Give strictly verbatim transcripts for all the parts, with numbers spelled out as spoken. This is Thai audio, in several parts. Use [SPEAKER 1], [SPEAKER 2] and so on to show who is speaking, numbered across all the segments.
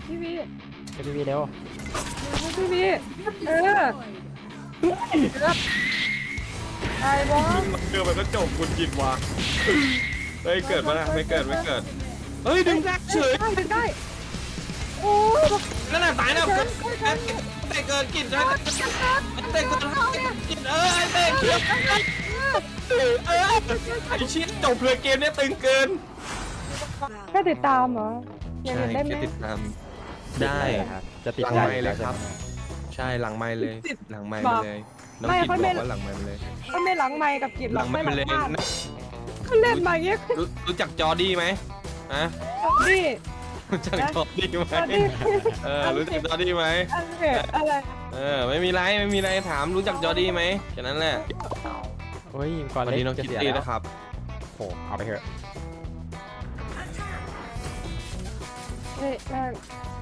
[SPEAKER 1] พี่วี
[SPEAKER 2] ไปพี่วีเร็ว
[SPEAKER 1] พี่วีเออไอ้บอส
[SPEAKER 3] เกิดมันก็จบคุณกินวะเฮ้ยเกิดมาละไม่เกิดไม่เกิดเฮ้ยดึงแรกเฉย
[SPEAKER 1] ได้ได้โอ้ย
[SPEAKER 3] นั่นน่ะตายแล้วเกิดเตะเกิดกินใช่ไหมเตะเกิดกินเออไอ้เตะเขียวเออไอ้ชิ้นจบเลยเกมนี้ตึงเกิน
[SPEAKER 1] แค่ติดตามเหรออยาก
[SPEAKER 3] ใช่
[SPEAKER 1] เห็นได้ไหม
[SPEAKER 3] แค่ติดตามได้
[SPEAKER 2] ครับจะติด
[SPEAKER 3] หลัง
[SPEAKER 2] ใจ
[SPEAKER 3] ไมค์เลยครับ ใช่หลังไม้เลยหลังไม้ไปเลยน้องกินบอกว่าหลังไม้ไปเลย
[SPEAKER 1] ก็ไม่หลังไมค์กับกิจห
[SPEAKER 3] ห
[SPEAKER 1] ร
[SPEAKER 3] ลั
[SPEAKER 1] อก
[SPEAKER 3] งไม้
[SPEAKER 1] ไม่
[SPEAKER 3] ไป
[SPEAKER 1] หลัง
[SPEAKER 3] เลย
[SPEAKER 1] บ้านเขาเล่นมาอย่างเงี้ย
[SPEAKER 3] รู้รู้จักจอดี้ไหมฮะ
[SPEAKER 1] นี่
[SPEAKER 3] รู้จักจอดี้ไหมเออรู้จักจอดี้ไหม
[SPEAKER 1] อะไรอะไร
[SPEAKER 3] เออไม่มีไรไม่มีไรถามรู้จักจอดี้ไหมแค่นั้นแหละ
[SPEAKER 2] เฮ้ยก่อน
[SPEAKER 3] วัน
[SPEAKER 2] เล็
[SPEAKER 3] นี้
[SPEAKER 2] ก
[SPEAKER 3] น้อง
[SPEAKER 2] จะ
[SPEAKER 3] คิต
[SPEAKER 2] เสีย
[SPEAKER 3] ตี้
[SPEAKER 2] แล้ว
[SPEAKER 3] นะครับ
[SPEAKER 2] โอ้เอาไปเถอะ
[SPEAKER 1] เฮ้ยแม่ง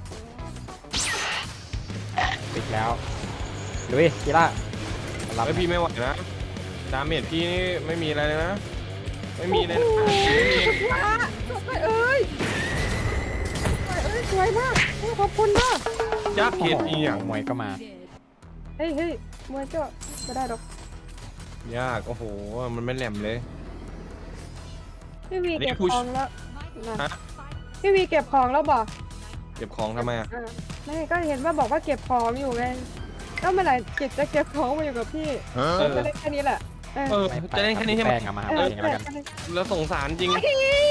[SPEAKER 2] ปิดแล้วลุยกีฬารับ
[SPEAKER 3] เฮ้ยพี่ไม่ไหวนะดาเมจพี่นี่ไม่มีอะไรเลยนะไม่มีเลยนะ
[SPEAKER 1] โอ้โหสุดยอดจบไปเอ้ยเอ้ยสวยมากขอบคุณมาก
[SPEAKER 3] ยักษ์เห็ดอีหยัง
[SPEAKER 2] มวยก็มา
[SPEAKER 1] เฮ้ยเฮ้ยมวยก็ไม่ได้หรอก
[SPEAKER 3] ยากโอ้โหมันไม่แหลมเลย
[SPEAKER 1] พี่วี
[SPEAKER 3] อันนี้
[SPEAKER 1] เก็บ
[SPEAKER 3] ผู้
[SPEAKER 1] ของแล้วนะ
[SPEAKER 3] ฮะ
[SPEAKER 1] พี่วีเก็บของแล้วบอก
[SPEAKER 3] เก็บของทำไมอ่ะ
[SPEAKER 1] อ่าไม่ก็เห็นว่าบอกว่าเก็บของอยู่ไงแล้วเมื่อไหร่กิจจะเก็บของมาอยู่กับพี่
[SPEAKER 3] เอ
[SPEAKER 1] เออ
[SPEAKER 3] อ
[SPEAKER 1] ก็เล่นแค่นี้แหละเออ
[SPEAKER 3] เออจะเล่นแค่นี้ใช่ไหม
[SPEAKER 2] แป้งเอามา
[SPEAKER 1] เอ
[SPEAKER 2] หา
[SPEAKER 1] อ
[SPEAKER 2] เองแล้วกัน
[SPEAKER 3] แล้วสงสารจริง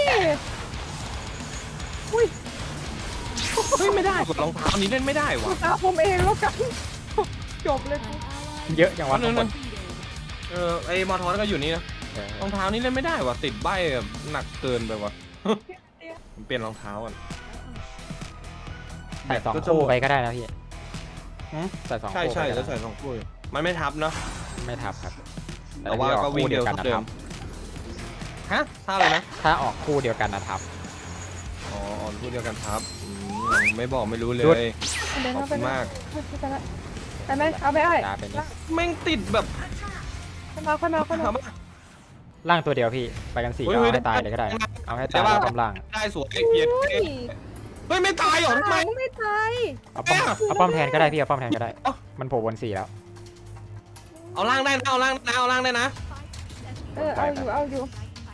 [SPEAKER 1] อุ้ย
[SPEAKER 3] เฮ้ยไม่ได้กดรองเท้านี้เล่นไม่ได้
[SPEAKER 1] กู
[SPEAKER 3] วะ
[SPEAKER 1] ตาผมเองแล้วกันจบเลยกู
[SPEAKER 2] เยอะอย่างวะ
[SPEAKER 3] นั่
[SPEAKER 2] ทุ
[SPEAKER 3] น
[SPEAKER 2] กค
[SPEAKER 3] นั่
[SPEAKER 2] น
[SPEAKER 3] นเออไอ้มอทอนก็อยู่นี่นะ
[SPEAKER 2] เออ
[SPEAKER 3] รองเท้านี้เล่นไม่ได้วะติดใบแบบหนักเกินไปวะ ผมเปลี่ยนรองเท้าก่อน
[SPEAKER 2] ใส่สองคู่ไปก็ได้นะพี่ใส่สอง
[SPEAKER 3] ใช่
[SPEAKER 2] คู่
[SPEAKER 3] ใช่
[SPEAKER 2] ไปก็
[SPEAKER 3] แล้ว
[SPEAKER 2] ได้
[SPEAKER 3] ใส่สองคู่อยู่มันไม่ทับเนาะ
[SPEAKER 2] ไม่ทับครับ
[SPEAKER 3] แต่ว่าก็วิ่งเร็ว
[SPEAKER 2] กัน
[SPEAKER 3] เท่า
[SPEAKER 2] นะ
[SPEAKER 3] เดิ
[SPEAKER 2] ทั
[SPEAKER 3] ม
[SPEAKER 2] บ
[SPEAKER 3] ฮะท่าอะไรนะ
[SPEAKER 2] ถ้าออกคู่เดียวกันนะทับ
[SPEAKER 3] อ๋ออ่อนคู่เดียวกันครับอืมไม่บอกไม่รู้เล
[SPEAKER 2] หยุด
[SPEAKER 3] ย
[SPEAKER 1] เดิน
[SPEAKER 3] ขอบ
[SPEAKER 1] เข้าไป
[SPEAKER 3] คุณมาก
[SPEAKER 1] ไปละไปไหมเอาไปไอ้
[SPEAKER 2] ตาเป็นนี้
[SPEAKER 3] แม่งติดแบบ
[SPEAKER 1] ค่อยมาค่อยมาค่อยมา
[SPEAKER 3] ถามว่า
[SPEAKER 2] ล่างตัวเดียวพี่ไปกันสี่
[SPEAKER 3] เฮ้ย
[SPEAKER 2] เอา
[SPEAKER 3] เฮ้ย
[SPEAKER 2] ให้ตายเลยก็ได้ เอาให้
[SPEAKER 3] แต่
[SPEAKER 2] ตาย
[SPEAKER 3] ว่า
[SPEAKER 2] แล้วกำลัง
[SPEAKER 3] ได้สวยเกียรติ
[SPEAKER 1] เฮ้ย
[SPEAKER 3] เฮ้ยไม่ตายเหรอทำไม
[SPEAKER 1] ไม่ตาย
[SPEAKER 2] เอาป้อมเอาป้อมแทนก็ได้พี่เอาป้อมแทนก็ได้ มันโผล่บนสี่แล้ว
[SPEAKER 3] เอาล่างได้นะเอาล่างนะเอาล่างได้นะ
[SPEAKER 1] เออเอาอยู่เอาอยู่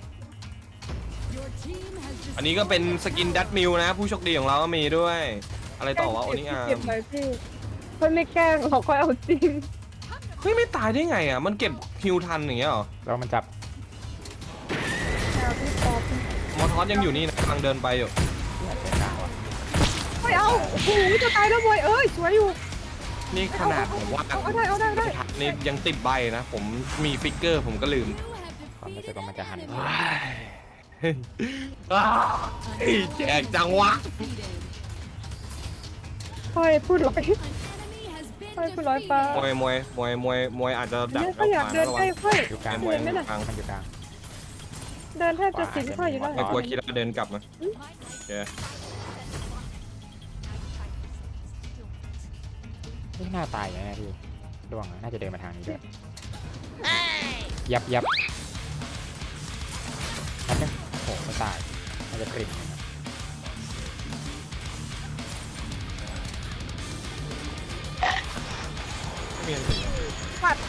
[SPEAKER 3] อันนี้ก็เป็นสกินดัตมิลนะ ผู้โชคดีของเราก็มีด้วย อะไรต่อวะโอนิอาร์
[SPEAKER 1] เก็บหน่อยพี่คนไม่แกล้งเราค่อยเอาจริง
[SPEAKER 3] เฮ้ยไม่ตายได้ไงอ่ะมันเก็บฮิวทันอย่างเงี้ยเหรอ
[SPEAKER 2] แล้วมันจับ
[SPEAKER 1] เอาพี่ปอบ
[SPEAKER 3] มอทอสยังอยู่นี่นะกำลังเดินไปอยู่
[SPEAKER 1] ไม่เอาโอ้โหจะตายแล้วมวยเอ้ยสวยอยู่
[SPEAKER 3] นี่ขนาดผมว่า
[SPEAKER 1] เอาได้เอาได้ได้
[SPEAKER 3] นี่ยังติดใบนะ ผมมีฟิกเกอร์ผมก็ลืม
[SPEAKER 2] ความรู้สึกว่ามันจะหัน
[SPEAKER 3] อ้าวแจกจังวะ
[SPEAKER 1] ค่อยพูดร้อยค่อยพูดร้อยป้าม
[SPEAKER 3] วยมวยมวยมวยมวยอาจจะดัก
[SPEAKER 1] เนี่ยก็อยากเดินใกล้ค่อย
[SPEAKER 2] อยู่กลาง
[SPEAKER 3] มวย
[SPEAKER 1] เดิน
[SPEAKER 3] ม
[SPEAKER 1] ไม่
[SPEAKER 3] วย
[SPEAKER 1] ได้
[SPEAKER 3] กลาง
[SPEAKER 2] มันอยู่กลาง
[SPEAKER 1] เดินแทบจะสิงค่อยอยู่แล้ว
[SPEAKER 3] ไอ้กลัวคิดว่าเดินกลับมาโอเค
[SPEAKER 2] ไม่น่าตายอย่างนี้พี่ร่วงน่าจะเดินมาทางนี้ด้วยยับยับนัดนึงโอ้ไม่ตายน่าจะกริบ
[SPEAKER 3] ไม่มีอะไร
[SPEAKER 1] ปัด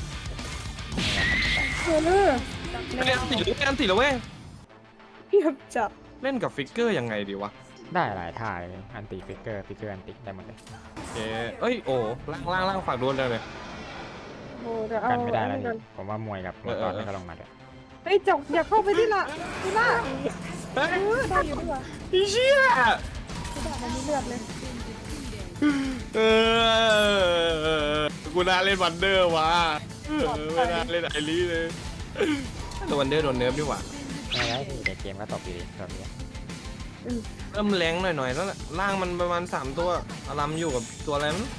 [SPEAKER 1] เออ
[SPEAKER 3] ไม่ได้อันติหรือไม่อันติแล้วเว้ย
[SPEAKER 1] เพียบจับ
[SPEAKER 3] เล่นกับฟิกเกอร์ยังไงดีวะ
[SPEAKER 2] ได้หลายท่าเลยอันติฟิกเกอร์ฟิกเกอร์อันติได้หมดเลย
[SPEAKER 3] โอเคเอ้ยโอ้ล่างล่างล่างฝากโดนเลยเลย
[SPEAKER 1] โอ้เดี๋ยวเอา
[SPEAKER 2] กันไม่ได้แล้ว
[SPEAKER 1] อันนี้ก่อน
[SPEAKER 2] ผมว่ามวยกับมังกรก็ลงมาด้วย
[SPEAKER 1] เฮ้ยจบอย่าเข้าไปที่ละที่ละ
[SPEAKER 3] เฮ้ย
[SPEAKER 1] เออได้อยู่ดีกว่า
[SPEAKER 3] อีเชี่ย
[SPEAKER 1] ที่ละมันมีเลือดเลย
[SPEAKER 3] เออกูน่าเล่นวันเดอร์วะเออไม่น่าเล่นไอรีเลยแต่วันเดอร์โดนเนิร์ฟดีกว่า
[SPEAKER 2] ไม่ได้พี่แต่เกมก็ตกอยู่ดีตอนนี้
[SPEAKER 3] เริ่มแรงหน่อยๆแล้วแหละล่างมันประมาณสามตัวอารัมอยู่กับตัวอะไรมั้ง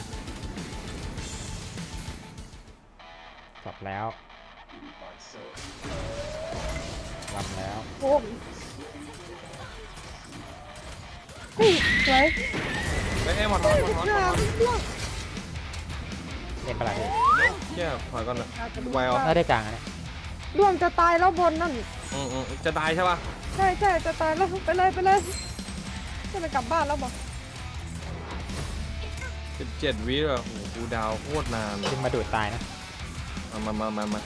[SPEAKER 2] จบแล้วลำแล้ว
[SPEAKER 1] โอ้เฮ้ยสวย
[SPEAKER 3] ไม่ให้มาทอดมาทอด
[SPEAKER 1] เฮ้ย
[SPEAKER 2] เล่นปะไรพี่
[SPEAKER 3] เชี่ยถอยก่อนนะไวออ
[SPEAKER 2] ได้ได้กลางนะ
[SPEAKER 1] ดวงจะตายแล้วบนนั่น
[SPEAKER 3] อืมอืมจะตายใช่ป่ะ
[SPEAKER 1] ใช่ใช่จะตายแล้วไปเลยไปเลยจะไปกลับบ้านแล้วบอก
[SPEAKER 3] เจ็ดเจ็ดวิอ่ะโอ้โหกูดาวโคตรนาน
[SPEAKER 2] ดึงมาดูดตายนะ
[SPEAKER 3] มามามามามา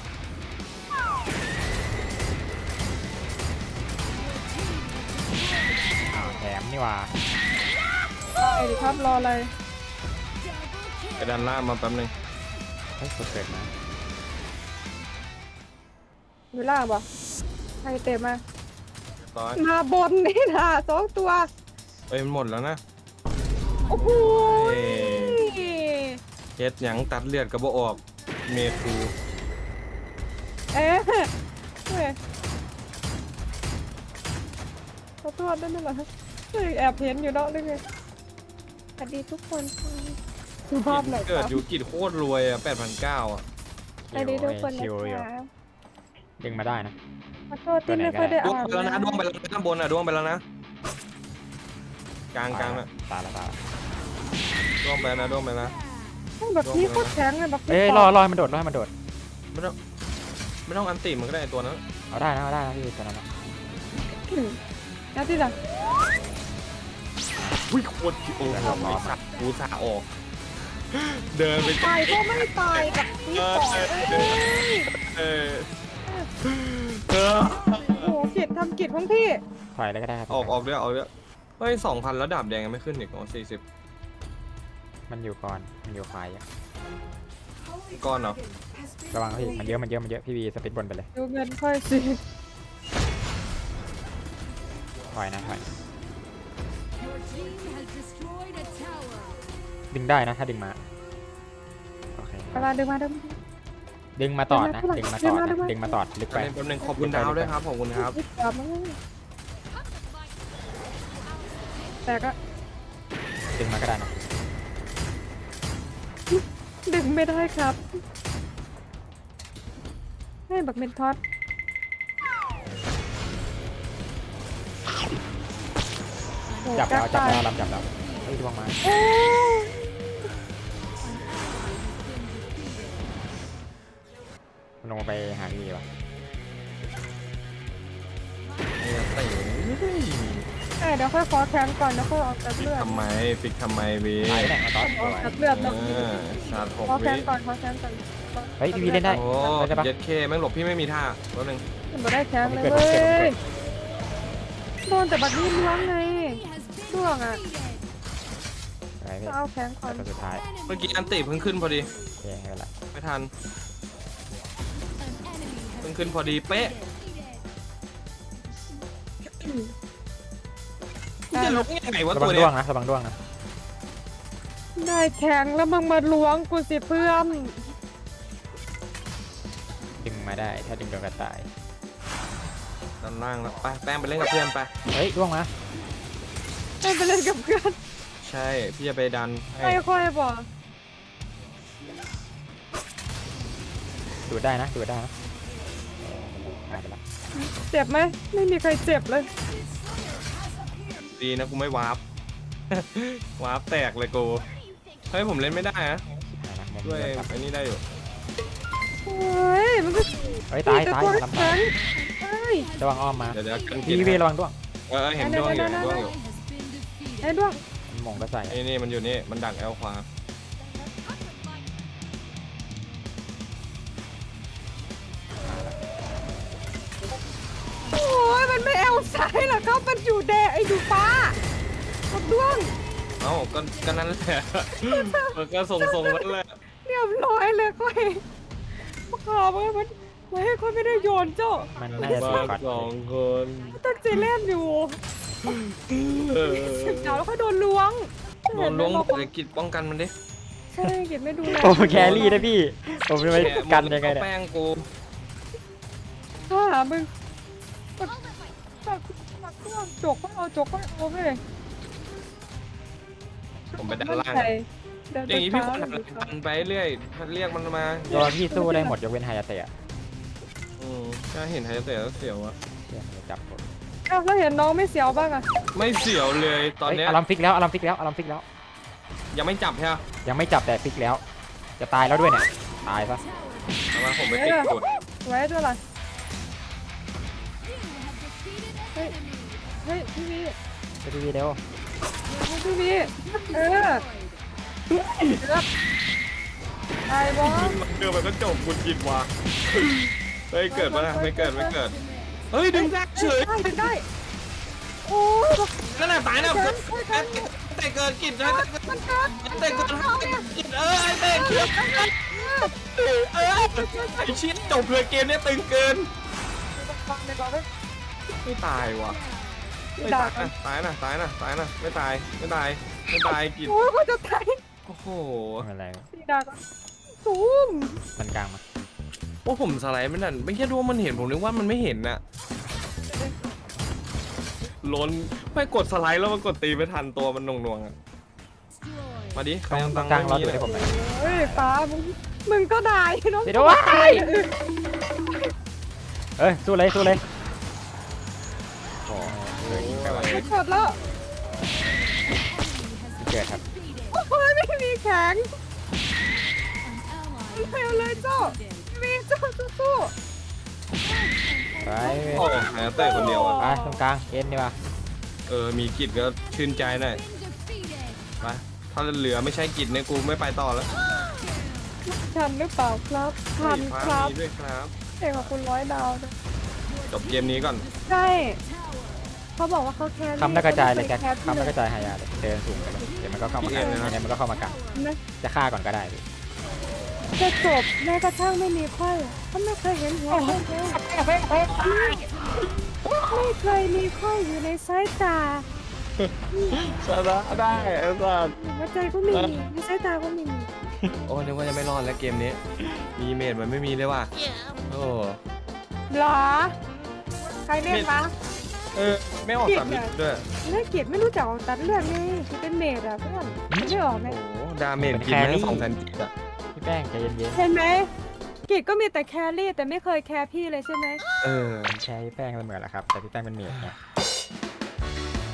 [SPEAKER 2] แถมนี่หว่า
[SPEAKER 1] ไปดิครับรออะไร
[SPEAKER 3] ไปดันล่างมาแป๊บนึง
[SPEAKER 2] เฮ้ยสุดเกิดมา
[SPEAKER 1] อยู่ล่างปะใครเต็มมา
[SPEAKER 3] ร้อย
[SPEAKER 1] มาบนนี่นะสองตัว
[SPEAKER 3] เอ้ยมันหมดแล้วนะ
[SPEAKER 1] โอ้โห
[SPEAKER 3] เอ้เฮ็ดหยังตัดเลือดกระบอกออกเมทู
[SPEAKER 1] เอ๊ะเฮ้ยขอโทษด้วยนะเหรอเฮ้ยแอบเห็นอยู่เนาะด้วยไงสวัสดีทุกคนดูภาพหน่อยค
[SPEAKER 3] เกิด
[SPEAKER 1] รับ
[SPEAKER 3] ยูกิโคตรรวยอ่ะแปดพันเก้าอ่ะ
[SPEAKER 1] สวัสดีทุกคนนะ
[SPEAKER 2] ชิวอยู่
[SPEAKER 1] ครับ
[SPEAKER 2] ดึงมาได้นะ
[SPEAKER 1] ขอโทษที่ไม่ค่อยได้
[SPEAKER 3] ดวง
[SPEAKER 1] อ่าน
[SPEAKER 3] ไปแล้วนะดวงไปแล้วนะข้างบนอ่ะดวงไปแล้วนะกลางกลางอ่ะ
[SPEAKER 2] ตายแล้วตายแล้ว
[SPEAKER 3] ดวงไปแล้วนะดวงไปแล้ว
[SPEAKER 1] แบบนี้โคตรแข็งเลยแบบ
[SPEAKER 2] เอ้ยรอรอให้มันโดดรอให้มันโดด
[SPEAKER 3] ไม่ต้องไม่ต้องอันติมันก็ได้ไอ้ตัวนั้น
[SPEAKER 2] เอาได้นะเอาได้นะพี่ตัวนั้นนะ
[SPEAKER 1] แล้วที่หลัง
[SPEAKER 3] อุ้ยโคตรโอ้โหไอ้สัตว์กูสาออก เดินไป
[SPEAKER 1] ตายก็ไม่ตายแบบนี้ต่อยเอ้ย
[SPEAKER 3] เออเออ
[SPEAKER 1] โอ้โหกิจทำกิจของพี่
[SPEAKER 2] ถอยเลยก็ได้ครับ
[SPEAKER 3] ออกออกด้วยออกด้วยเฮ้ยสองพันแล้วดาบแดงยังไม่ขึ้นอีกอ๋อสี่สิบ
[SPEAKER 2] มันอยู่ก่อนมันอยู่ควายอะ
[SPEAKER 3] ก้อนเหรอ
[SPEAKER 2] ระวังพี่มันเยอะมันเยอะมันเยอะพี่วีสปิดบนไปเลย
[SPEAKER 1] ดูเงินค่อยสิ
[SPEAKER 2] ถอยนะถอย
[SPEAKER 4] Your team has destroyed a tower.
[SPEAKER 2] ดึงได้นะถ้าดึงมาโอเค
[SPEAKER 1] เวลาดึงมาดึง
[SPEAKER 2] ดึงมาตอดนะดึงมาตอด
[SPEAKER 1] ดึงมา
[SPEAKER 2] นะดึงมาตอดลึก
[SPEAKER 3] แป๊
[SPEAKER 2] ไป
[SPEAKER 3] บนึงแป๊บนึงขอบคุณดาวด้วยครับขอบคุณครับ
[SPEAKER 1] ดึงกลับมาแต่ก็
[SPEAKER 2] ดึงมาก็ได้นะ
[SPEAKER 1] ดึงไม่ได้ครับให้บักเมนทอด
[SPEAKER 2] จับแล้วจับแล้วลำจับแล้วเฮ้ยดวงมา
[SPEAKER 1] โอ้
[SPEAKER 2] ลงไปหาพี่วะ
[SPEAKER 3] ไอ้ตี
[SPEAKER 1] เอ้ยเดี๋ยวค่อยขอแทงก่อนเดี๋ยวค่อยออกจาก
[SPEAKER 3] ฟิก
[SPEAKER 1] เลือด
[SPEAKER 3] ทำไมฟิกทำไมวี
[SPEAKER 2] ตายแหละมาตอด
[SPEAKER 1] ออกจากเลือด
[SPEAKER 3] เอ
[SPEAKER 1] แล้ว
[SPEAKER 3] อชาร์จหก
[SPEAKER 1] ขอแท
[SPEAKER 3] วิ
[SPEAKER 1] งก่อนขอแทงก่อน
[SPEAKER 2] เฮ้ยพี่วีเล่นได้
[SPEAKER 3] โอ้
[SPEAKER 2] เล่นได้ปะ
[SPEAKER 3] เย็ดเคแม่งหลบพี่ไม่มีท่าตัวหนึ่ง
[SPEAKER 1] มันไม่ได้แทงเลยเว้ยโดนแต่บักนี้ล้วงไง
[SPEAKER 4] Has been
[SPEAKER 1] Đuổi à?
[SPEAKER 4] defeated.
[SPEAKER 2] อะไรพี่
[SPEAKER 1] จะเอาแทงก่อน
[SPEAKER 2] ตัวสุดท้าย
[SPEAKER 3] เมื่อกี้อันติเพิ่งขึ้นพอดี
[SPEAKER 2] โอเคไม่เป็นไร
[SPEAKER 3] ไม่ทัน
[SPEAKER 4] An enemy
[SPEAKER 3] เพิ่
[SPEAKER 4] has
[SPEAKER 3] งขึ้นพอดีเป๊ะ
[SPEAKER 4] defeated.
[SPEAKER 3] จะลงยังไงวะ
[SPEAKER 2] ระ
[SPEAKER 3] ตั
[SPEAKER 2] วั
[SPEAKER 3] ว
[SPEAKER 2] ง
[SPEAKER 3] เนี้
[SPEAKER 2] ด้วย งนะระวังด้วงนะ
[SPEAKER 1] ได้แทงแล้วมึงมาล้วงกูสิเพื่อน
[SPEAKER 2] ดึงมาได้ถ้าดึงโดนกระต่าย
[SPEAKER 3] ด้านล่างแล้วไปแป้งไปเล่นกับเพื่อนไป
[SPEAKER 2] เฮ้ยด้วงมา
[SPEAKER 1] ให้ไปเล่นกับเพื่อน
[SPEAKER 3] ใช่พี่จะไปดันให้
[SPEAKER 1] ไม่ค่อยบอก
[SPEAKER 2] ดูดได้นะดูดได้นะหายไปละ
[SPEAKER 1] เจ็บไหมไม่มีใครเจ็บเลย
[SPEAKER 3] ดีนะกูไม่วาร์ป วาร์ปแตกเลยกูเฮ้ยผมเล่นไม่ได้นะ
[SPEAKER 2] หายละมุม
[SPEAKER 3] ด้วย
[SPEAKER 2] เดินกลับ
[SPEAKER 3] ไอ้นี่ได้อยู่
[SPEAKER 1] โอ้ยมันก็
[SPEAKER 2] เฮ้ยตายตาย
[SPEAKER 1] ตัว
[SPEAKER 2] ลำ
[SPEAKER 1] แข็
[SPEAKER 2] ตาย
[SPEAKER 1] งเอ้ย
[SPEAKER 2] ระวังอ้อมมา
[SPEAKER 3] เดี๋ยวเดี๋ยวกัน
[SPEAKER 2] พี่วีระวังด้วง
[SPEAKER 3] เออเห็นดวงอยู่เห็นดวงอยู่
[SPEAKER 4] Has been defeated.
[SPEAKER 1] ไอ้ด้วง
[SPEAKER 2] มันมงก็ใส่
[SPEAKER 3] นี่นี่มันอยู่นี่มันดักแอลขวา
[SPEAKER 1] โอ้ยมันไม่แอลซ้ายหรอครับมันอยู่แดงไอ้อยู่ฟ้ากับด้วง
[SPEAKER 3] เอ้าก็ก็นั่นแหละ มันก็ทรงทรงๆนั่นแหละ
[SPEAKER 1] เรียบร้อยเลยค่อยขอมามันไว้ให้ค่อยไม่ได้โยนเจ้า
[SPEAKER 2] มันน่าจะ
[SPEAKER 3] มา
[SPEAKER 2] สีก่อน
[SPEAKER 3] สองคน
[SPEAKER 1] ตั้งใจเล่นอยู่
[SPEAKER 3] เออ
[SPEAKER 1] สึกดาวแล้วก็โดนล้วง
[SPEAKER 3] โดนล้วงหมดเลยกิจป้องกันมันดิ
[SPEAKER 1] ใช่กิจไม่ดูแล
[SPEAKER 2] โอ้แครี่นะพี่ผมจะไปกันยังไง
[SPEAKER 3] แค่
[SPEAKER 2] เนี่ย
[SPEAKER 3] แป้งกู
[SPEAKER 1] ถ้าหามึงปักปักปักด้วงจกก็เอาจกก็เอาไปเลย
[SPEAKER 3] ผมไปด้านล่าง
[SPEAKER 1] เดี๋ยว
[SPEAKER 3] อย่างนี้พี่คน
[SPEAKER 1] เดี๋
[SPEAKER 3] หั
[SPEAKER 1] ยวน เช้า
[SPEAKER 3] ดันไปเรื่อยเรียกมันมา
[SPEAKER 2] ตัวพี่สู้ได้หมดยกเว้นไฮยาเตะ
[SPEAKER 3] อืมถ้าเห็นไฮเตะแล้วเสียวอะ
[SPEAKER 2] เชี่ยมันจะจับผม
[SPEAKER 1] อ้าวแล้วเห็นน้องไม่เสียวบ้างอะ
[SPEAKER 3] ไม่เสียวเลยตอนเนี้ย
[SPEAKER 2] เฮ้ยอารมฟิกแล้วอารมฟิกแล้วอารมฟิกแล้ว
[SPEAKER 3] ยังไม่จับใช่ไหม
[SPEAKER 2] ยังไม่จับแต่ฟิกแล้ว จะตายแล้วด้วยเนี่ยตายซะ
[SPEAKER 3] เอามาผมไปติดจุด
[SPEAKER 1] ไว้ด้วยล่ะ
[SPEAKER 4] You have defeated an enemy.
[SPEAKER 1] เฮ้ยพี่วี
[SPEAKER 2] ไปดูวีเดียว
[SPEAKER 1] พี่วีเออไอ้บอส
[SPEAKER 3] เกิดมันก็จบคุณกินว่ะเฮ้ยเกิดปะนะไม่เกิดไม่เกิดเฮ้ยดึงได้เฉย
[SPEAKER 1] ได้ดึงได้โอ้ย
[SPEAKER 3] นั่นแหละตายนะแต่เกิดกินใช่ไหม
[SPEAKER 1] มันเกิด
[SPEAKER 3] แต่เกิดกินเออไอ้เต้เขียวเออไอ้ชิ้นจบเลยเกมนี้ตึงเกินไม่ตายว่ะไม่ตายนะตายนะตายนะตายนะไม่ตายไม่ตายไม่ตายกิน
[SPEAKER 1] โอ้ยเขาจะตาย
[SPEAKER 3] โอ้โห
[SPEAKER 2] อะไร
[SPEAKER 1] สีดาก็ซูม
[SPEAKER 2] มันกลางมา
[SPEAKER 3] โอ้ผมสไลด์ไม่นั่นไม่แค่ดูว่ามันเห็นผมนึกว่ามันไม่เห็นน่ะล้นไม่กดสไลด์แล้วมันกดตีไม่ทันตัวมันนงๆอ่ะ
[SPEAKER 4] Destroyed.
[SPEAKER 3] มาดิใคร
[SPEAKER 2] ต้อง
[SPEAKER 3] เอาตังค์
[SPEAKER 2] กลางรอ
[SPEAKER 3] ไม่
[SPEAKER 2] ดู
[SPEAKER 3] มี
[SPEAKER 2] ให้ผมหน่อย
[SPEAKER 1] เฮ้ยฟ้ามึงมึงก็ได้เนาะ
[SPEAKER 2] เดี๋ยวด้วยเอ้ยสู้เลยสู้เลยโอ้ยยิงไปวะ
[SPEAKER 1] ไม่กดแล้ว
[SPEAKER 2] เกิดครับ
[SPEAKER 1] โอ้ยไม่มีแข็ง
[SPEAKER 4] An ally
[SPEAKER 1] เร็วเลยเจ้า
[SPEAKER 4] defeated.
[SPEAKER 1] มีเจ้าสู้
[SPEAKER 2] ไป
[SPEAKER 3] โอ้แหมเต้คนเดียวอ่ะ
[SPEAKER 2] ไปตรงกลางเอ็นดีกว่า
[SPEAKER 3] เออมีกิจก็ชื่นใจหน่อย
[SPEAKER 4] Been defeated.
[SPEAKER 3] มาถ้าเหลือไม่ใช่กิจเนี่ยกูไม่ไปต่อแล้ว
[SPEAKER 1] ๆทันหรือเปล่าครับทัน
[SPEAKER 3] ฟ้า
[SPEAKER 1] ครับ
[SPEAKER 3] มีด้วยครับ
[SPEAKER 1] เองของคุณร้อยดาวนะ
[SPEAKER 3] จบเกมนี้ก่อน
[SPEAKER 1] ใช่
[SPEAKER 4] Tower.
[SPEAKER 1] เขาบอกว่าเขาแคร์
[SPEAKER 2] คำแล้วกระจายเลยแก
[SPEAKER 1] แคร์
[SPEAKER 2] คำแล้วกระจายหายาเลยเดินสูงไปเลยเดี๋ยวมันก็เข้ามากลางเดี๋ยวมันก็เข้ามากลาง
[SPEAKER 1] นะ
[SPEAKER 2] จะฆ่าก่อนก็ได้พี่
[SPEAKER 1] จะจบแม้กระทั่งไม่มีไข้ก็ไม่เคยเห็นหัวไข้เลยไม่เคยมีไข้อยู่ในสายตา
[SPEAKER 3] ชนะได้ไอ้สัส
[SPEAKER 1] หัวใจก็ไม่มีในสายตาก็ไม่มี
[SPEAKER 3] โอ้นึกว่าจะไม่รอดแล้วเกมนี้ มีเมดมันไม่มีเลยว่ะโอ้
[SPEAKER 1] หรอใครเล่นวะ
[SPEAKER 3] เออไม่ออกสามลิตรด้วย
[SPEAKER 1] น่าเกลียดไม่รู้จักตัดเลือดไงคือเป็นเมดอะเพื่อนไม่ออกไหม
[SPEAKER 3] โอ้ดาเมจกินแม่งสองแสนกิจอะ
[SPEAKER 2] พี่แป้งใจเย็น
[SPEAKER 1] เห็นไหมกิจก็มีแต่แครี่แต่ไม่เคยแคร์พี่เลยใช่ไหม
[SPEAKER 3] เออ
[SPEAKER 2] ๆแชร์พี่แป้งมันเหมือนแหละครับแต่พี่แป้งเป็นเมจไง